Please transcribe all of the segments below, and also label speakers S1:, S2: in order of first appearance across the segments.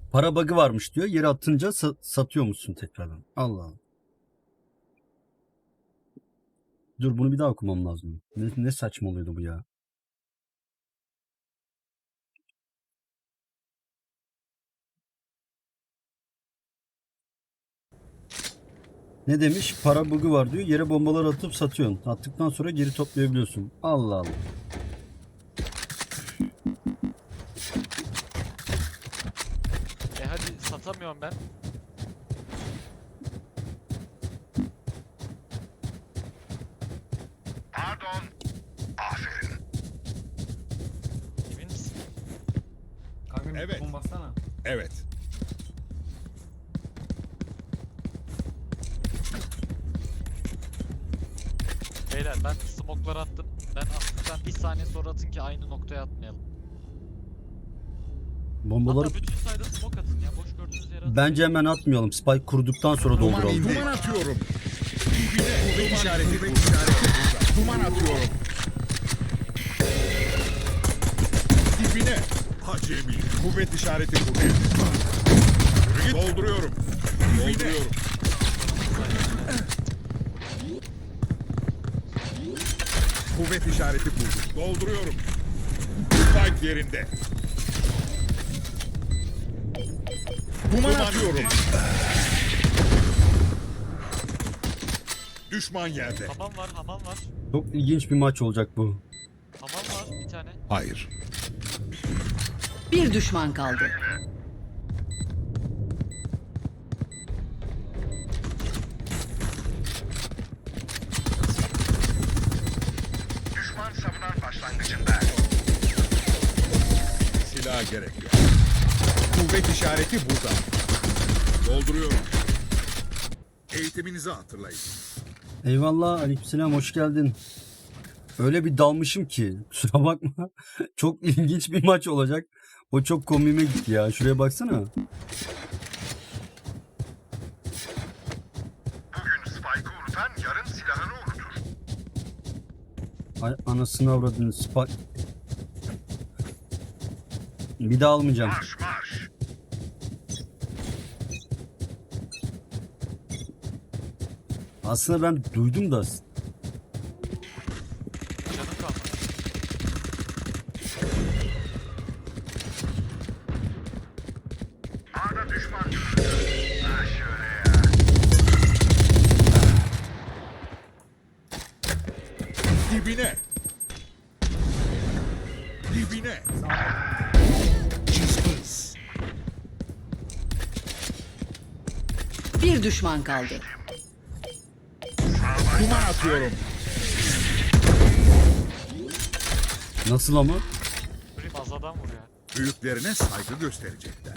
S1: Para bug'ı varmış diyor. Yere atınca satıyor musun tekrardan? Allah Allah. Dur bunu bir daha okumam lazım. Ne saçma oluyordu bu ya. Ne demiş? Para bug'ı var diyor. Yere bombalar atıp satıyorsun. Attıktan sonra geri toplayabiliyorsun. Allah Allah.
S2: Hadi satamıyorum ben.
S3: Pardon. Aferin.
S2: Emin misin?
S4: Kanka bir
S3: Evet.
S4: bassana.
S3: Evet.
S2: Beyler ben smoke'lar attım. Ben attıktan bir saniye sonra atın ki aynı noktaya atmayalım.
S1: Bombaları
S2: Hatta bütün sayıda smoke atın ya. Boş gördüğünüz yere atın.
S1: bence hemen atmayalım. Spike kurduktan sonra dolduralım.
S3: Duman atıyorum. Dibine kuvvet işareti burada. Duman atıyorum. Dibine. Acemi. Kuvvet işareti burada. Dolduruyorum. Dolduruyorum. Kuvvet işareti burada. Dolduruyorum. Spike yerinde. Duman atıyorum. Düşman yerde.
S2: Hamam var, hamam var.
S1: Çok ilginç bir maç olacak bu.
S2: Hamam var bir tane.
S3: Hayır.
S5: Bir düşman kaldı.
S3: Düşman savunan başlangıcında. Silah gerek yok. Kuvvet işareti burada. Dolduruyorum. Eğitiminizi hatırlayın.
S1: Eyvallah, aleykümselam, hoş geldin. Öyle bir dalmışım ki kusura bakma. Çok ilginç bir maç olacak. O çok komiğime gitti ya. Şuraya baksana.
S3: Bugün Spike'ı unutan yarın silahını unutur.
S1: Ay, anasını avradını Spike. Bir daha almayacağım.
S3: Marş marş.
S1: Aslında ben duydum da.
S2: Canım kalmadı.
S3: A'da düşman görüldü. Ha şöyle ya. Dibine. Dibine. Cızbız.
S5: Bir düşman kaldı.
S3: Duman atıyorum.
S1: Nasıl ama?
S2: Prim az adam vuruyor.
S3: Büyüklerine saygı gösterecekler.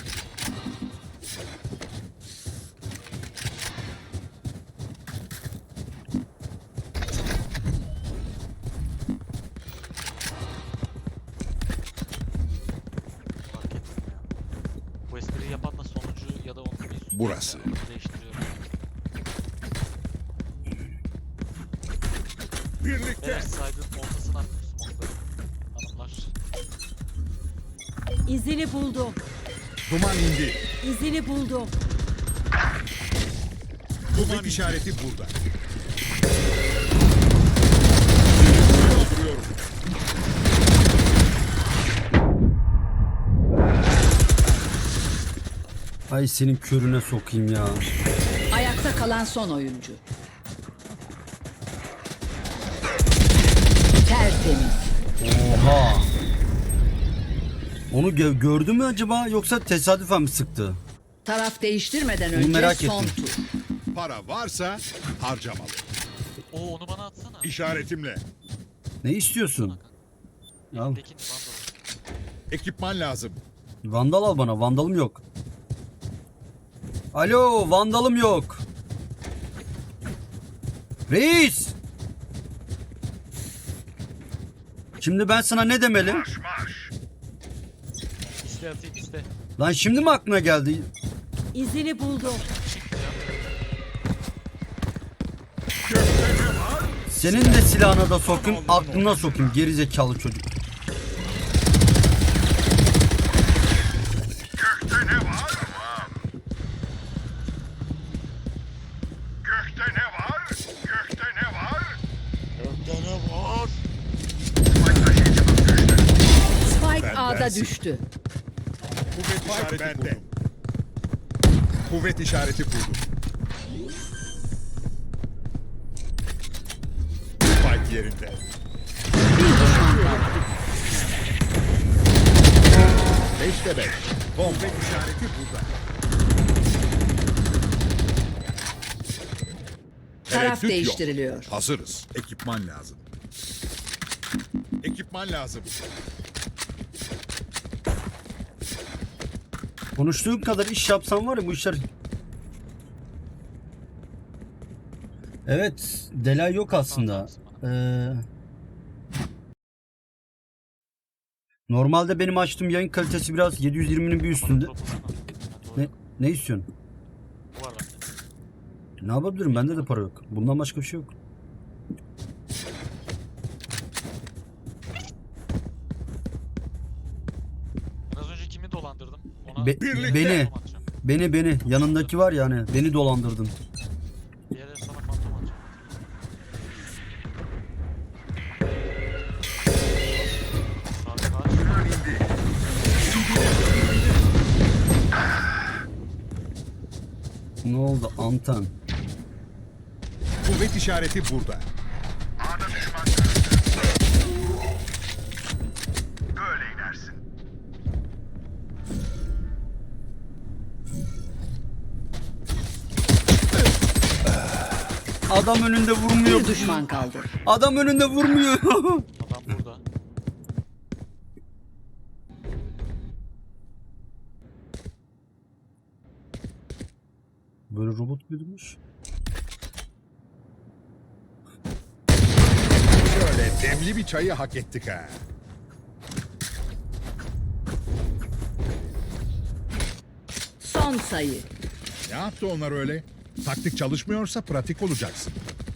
S2: Fark ettim ya. Bu espriyi yapan da sonuncu ya da onun bir üstü.
S3: Burası.
S2: Değiştiriyorum.
S3: Birlikte.
S2: Beyler saydığın ortasına attım smoke'ları. Hanımlar.
S6: İzini buldum.
S3: Duman indi.
S6: İzini buldum.
S3: Kuvvet işareti burada. Dolduruyorum.
S1: Ay senin körüne sokayım ya.
S5: Ayakta kalan son oyuncu. Tertemiz.
S1: Oha. Onu gördü mü acaba yoksa tesadüfen mi sıktı?
S5: Taraf değiştirmeden
S1: Bunu
S5: önce
S1: merak
S5: son
S1: ettim.
S5: tur.
S3: Para varsa harcamalı.
S2: Oo onu bana atsana.
S3: İşaretimle.
S1: Ne istiyorsun? Al.
S2: Elindekini vandal.
S3: Ekipman lazım.
S1: Vandal al bana. Vandalım yok. Alo, vandalım yok. Reis. Şimdi ben sana ne demeli?
S3: Marş marş.
S2: İste atayım iste.
S1: Lan şimdi mi aklına geldi?
S6: İzini buldum.
S3: Gökte ne var?
S1: Senin de silahına da sokayım, aklına sokayım gerizekalı çocuk.
S3: Gökte ne var?
S5: düştü.
S3: Kuvvet işareti kurdum. Kuvvet işareti kurdum. Spike yerinde.
S5: Bir düşman kaldı.
S3: 5'te 5. Kuvvet işareti burada.
S5: Taraf
S3: Tereddüt yok.
S5: değiştiriliyor.
S3: Hazırız. Ekipman lazım. Ekipman lazım.
S1: Konuştuğun kadar iş yapsam var ya bu işler... Evet, delay yok aslında. Normalde benim açtığım yayın kalitesi biraz 720'nin bir üstünde. Ne istiyorsun?
S2: Bu var bende.
S1: Ne yapabilirim? Bende de para yok. Bundan başka bir şey yok.
S2: Az önce kimi dolandırdım? Ona
S3: Birlikte.
S1: Beni,
S2: fantom atacağım.
S1: beni. Yanındaki var ya hani. Beni dolandırdın.
S2: Bir yere sana fantom atacağım. Şarkı aç.
S1: Ne oldu? Anten.
S3: Kuvvet işareti burada.
S7: Böyle inersin.
S1: Adam önünde vurmuyor.
S5: Bir düşman kaldı.
S1: Adam önünde vurmuyor.
S2: Adam burada.
S1: Böyle robot büyüdümüş.
S3: Şöyle demli bir çayı hak ettik ha.
S5: Son sayı.
S3: Ne yaptı onlar öyle? Taktik çalışmıyorsa pratik olacaksın.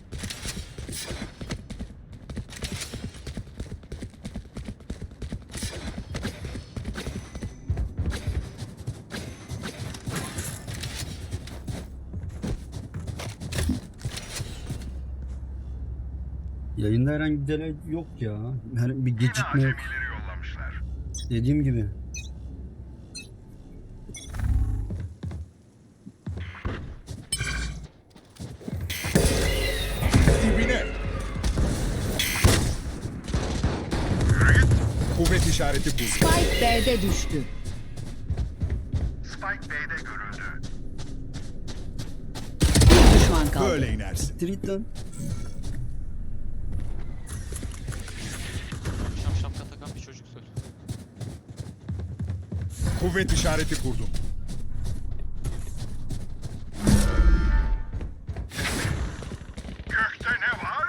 S1: Yayında herhangi bir delay yok ya. Her bir gecikme yok.
S7: Acemileri yollamışlar.
S1: Dediğim gibi.
S3: Dibine. Kuvvet işareti burada.
S5: Spike B'de düştü.
S7: Spike B'de görüldü.
S5: Bir düşman kaldı.
S3: Böyle inersin.
S1: Street lan.
S2: Akşam şapka takan bir çocuk söyle.
S3: Kuvvet işareti kurdum.
S7: Gökte ne var?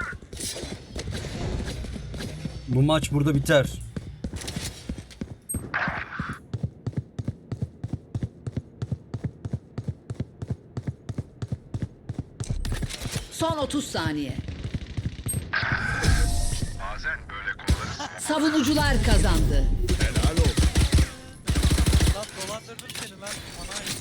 S1: Bu maç burada biter.
S5: Son 30 saniye.
S7: Bazen böyle konuları
S5: Savunucular kazandı.
S3: Helal olsun.
S2: Lan dolandırdım seni lan. Bana ait.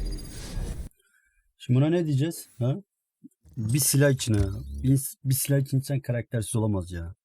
S1: Şimdi buna ne diyeceğiz? Ha? Bir silah için ha. Bir silah için insan karaktersiz olamaz ya.